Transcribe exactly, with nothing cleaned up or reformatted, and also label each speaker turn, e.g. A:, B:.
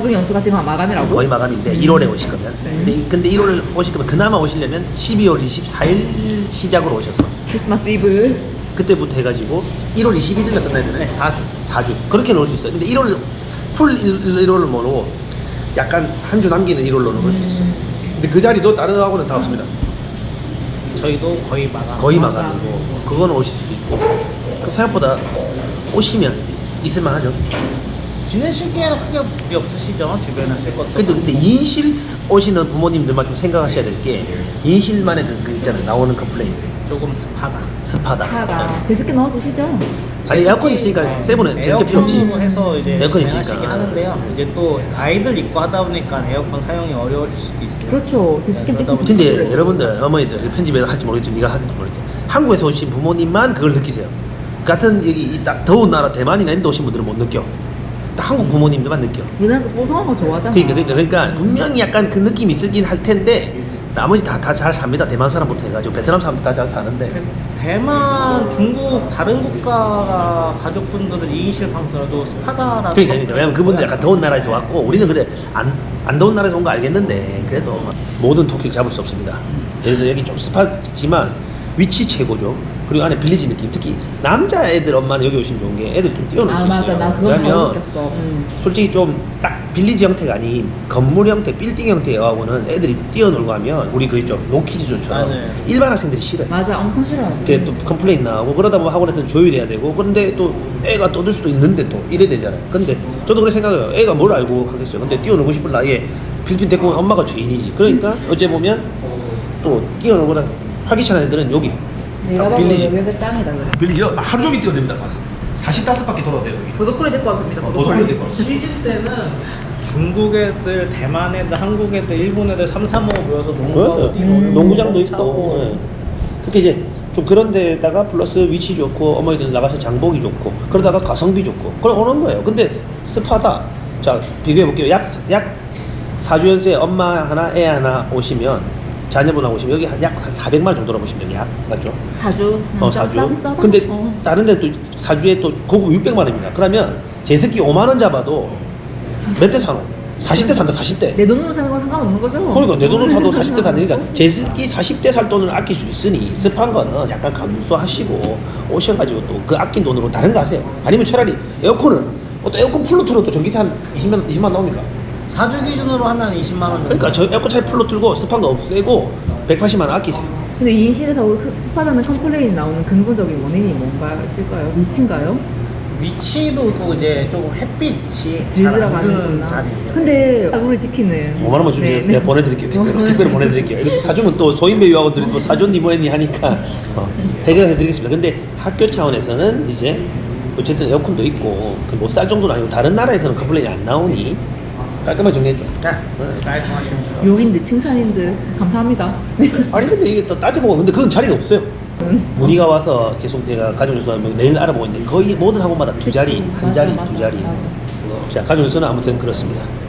A: 사중 연수가 지금 마감이라고?
B: 거의 마감인데
A: 음.
B: 일월에 오실 거면.
A: 네.
B: 근데, 근데 일월 오실 거면 그나마 오시려면 십이월 이십사일 시작으로 오셔서
A: 크리스마스 이브.
B: 그때부터 해가지고 일월 이십일일에 끝나야 되네.
C: 네, 사 주.
B: 사 주. 그렇게 놓을 수 있어요. 근데 일월 풀 일월을 모르고 약간 한 주 남기는 일월로 놓을 수 있어요. 근데 그 자리도 다른 학원은 다 없습니다.
C: 저희도 거의 마감.
B: 거의
A: 마감.
B: 마감이고 그거는 오실 수 있고 그 생각보다 오시면 있을만하죠.
C: 지내시기에는 크게 무리 없으시죠? 주변에 하실 것도.
B: 근데, 근데 인실 오시는 부모님들만 좀 생각하셔야 될 게 인실만의 그, 그 있잖아요. 나오는 컴플레인트.
C: 조금 습하다.
B: 습하다.
A: 하다. 제습기 넣어주시죠?
B: 아니 에어컨 있으니까 세븐은 제습기 필요 없지.
C: 에어컨으로 해서 이제
B: 에어컨
C: 진행하시긴
B: 있으니까.
C: 하는데요. 이제 또 아이들 있고 하다 보니까 에어컨 사용이 어려우실 수도 있어요.
A: 그렇죠. 제습기
C: 네, 그러다
A: 뺏기면
B: 근데
A: 그렇죠.
B: 여러분들 어머니들 편집을 할지 모르겠지만 네가 하든지 모르겠지. 한국에서 오신 부모님만 그걸 느끼세요. 같은 여기 이 딱 더운 나라 대만이나 인도 오신 분들은 못 느껴. 딱 한국 부모님들만 느껴.
A: 우리나라도 뽀송한 거 좋아하잖아.
B: 그러니까 그러니까, 그러니까 분명히 약간 그 느낌이 있긴 할 텐데 나머지 다 다 잘 삽니다. 대만 사람부터 해가지고 베트남 사람도 다 잘 사는데.
C: 대만, 중국 다른 국가 가족분들은 이인실 방더라도 습하다라는.
B: 그러니까, 그러니까 왜냐면 그분들 약간 더운 나라에서 왔고 우리는 그래 안, 안 더운 나라에서 온 거 알겠는데 그래도 모든 토끼를 잡을 수 없습니다. 그래서 여기 좀 습하지만 위치 최고죠. 그리고 안에 빌리지 느낌. 특히 남자 애들 엄마는 여기 오시면 좋은 게 애들 좀 뛰어놀 수
A: 아
B: 있어요.
A: 맞아. 나 그건 다
B: 왜냐면
A: 느꼈어. 음.
B: 솔직히 좀 딱 빌리지 형태가 아닌 건물 형태, 빌딩 형태하고는 애들이 뛰어놀고 하면 우리 그 있죠 노키즈존처럼
C: 맞아요.
B: 일반 학생들이 싫어요.
A: 맞아. 엄청 싫어하지.
B: 그게 또 컴플레인 나오고 그러다 보면 학원에서는 조율해야 되고 그런데 또 애가 떠들 수도 있는데 또 이래 되잖아요. 근데 저도 그렇게 생각해요. 애가 뭘 알고 하겠어요. 근데 뛰어놀고 싶을 나이에 필리핀 데리고 온 엄마가 죄인이지. 그러니까 어째 보면 또 뛰어놀거나 활기찬 애들은 여기
A: 내가 봐도
B: 빌리지.
A: 여기 땅이다 그래.
B: 빌리지 하루 종일 뛰어냅니다. 사십오 바퀴 돌아야 돼요 여기.
A: 보도콜이 데리고 왔습니다.
B: 어, 보도콜이 데리고 왔어.
C: 시즌 때는 중국 애들, 대만 애들, 한국 애들, 일본 애들 삼, 삼, 오 모여서 농구하고
B: 네.
C: 뛰고
A: 음.
B: 농구장도 있고
C: 차고.
B: 네. 그렇게 이제 좀 그런 데다가 플러스 위치 좋고 어머니들 나가서 장보기 좋고 그러다가 가성비 좋고 그럼 오는 거예요. 근데 습하다. 자 비교해 볼게요. 약 약 사 주 연수에 엄마 하나 애 하나 오시면 자녀분하고 오시면 여기 약 한 사백만 정도로 보시면 돼요. 약 맞죠?
A: 사주.
B: 어,
A: 싸-
B: 사주.
A: 싸긴 싸다.
B: 근데
A: 어.
B: 다른 데또 사주에 또 고급 육백만 원입니다. 그러면 제습기 오만 원 잡아도 몇 대 사노? 사십 대 산다, 사십 대.
A: 내 돈으로 사는 건 상관없는 거죠?
B: 그러니까 내 돈으로 사도 사십 대 사니까 제습기 사십 대 살 돈을 아낄 수 있으니 습한 거는 약간 감수하시고 오셔가지고 또 그 아낀 돈으로 다른 거 하세요. 아니면 차라리 에어컨은 어, 또 에어컨 풀로 틀어도 전기세 한 이십만, 이십만 나옵니까?
C: 사 주 기준으로 하면 이십만 원 정도.
B: 그러니까 저 에어컨 차라리 풀로 틀고 습한 거 없애고 백팔십만 원 아끼세요.
A: 근데 이 인실에서 습하다는 컴플레인이 나오는 근본적인 원인이 뭔가 있을까요? 위치인가요?
C: 위치도 또 이제 조금 햇빛이 잘
A: 질
C: 안 드는
A: 들어가는구나.
C: 자리예요.
A: 근데 룰을 지키는.
B: 오만 원만 주세요.
A: 네,
B: 내가
A: 네.
B: 보내드릴게요. 특별히, 특별히 보내드릴게요. 이거 사주면 또 소인배 유학원들이 또 사줬니 뭐했니 하니까 어, 해결해드리겠습니다. 근데 학교 차원에서는 이제 어쨌든 에어컨도 있고 못 살 정도는 아니고 다른 나라에서는 컴플레인이 안 나오니 깔끔하게 정리했죠.
C: 네, 깔끔하십니다.
A: 욕인데 칭찬인데 감사합니다.
B: 아니 근데 이게 또 따져보고 근데 그건 자리가 없어요.
A: 응.
B: 문의가 와서 계속 내가 가정교수하면 내일 알아보고 있는데 거의 모든 학원마다 두 자리,
A: 그치.
B: 한
A: 맞아,
B: 자리,
A: 맞아,
B: 두 자리.
A: 맞아.
B: 자 가정교수는 아무튼 그렇습니다.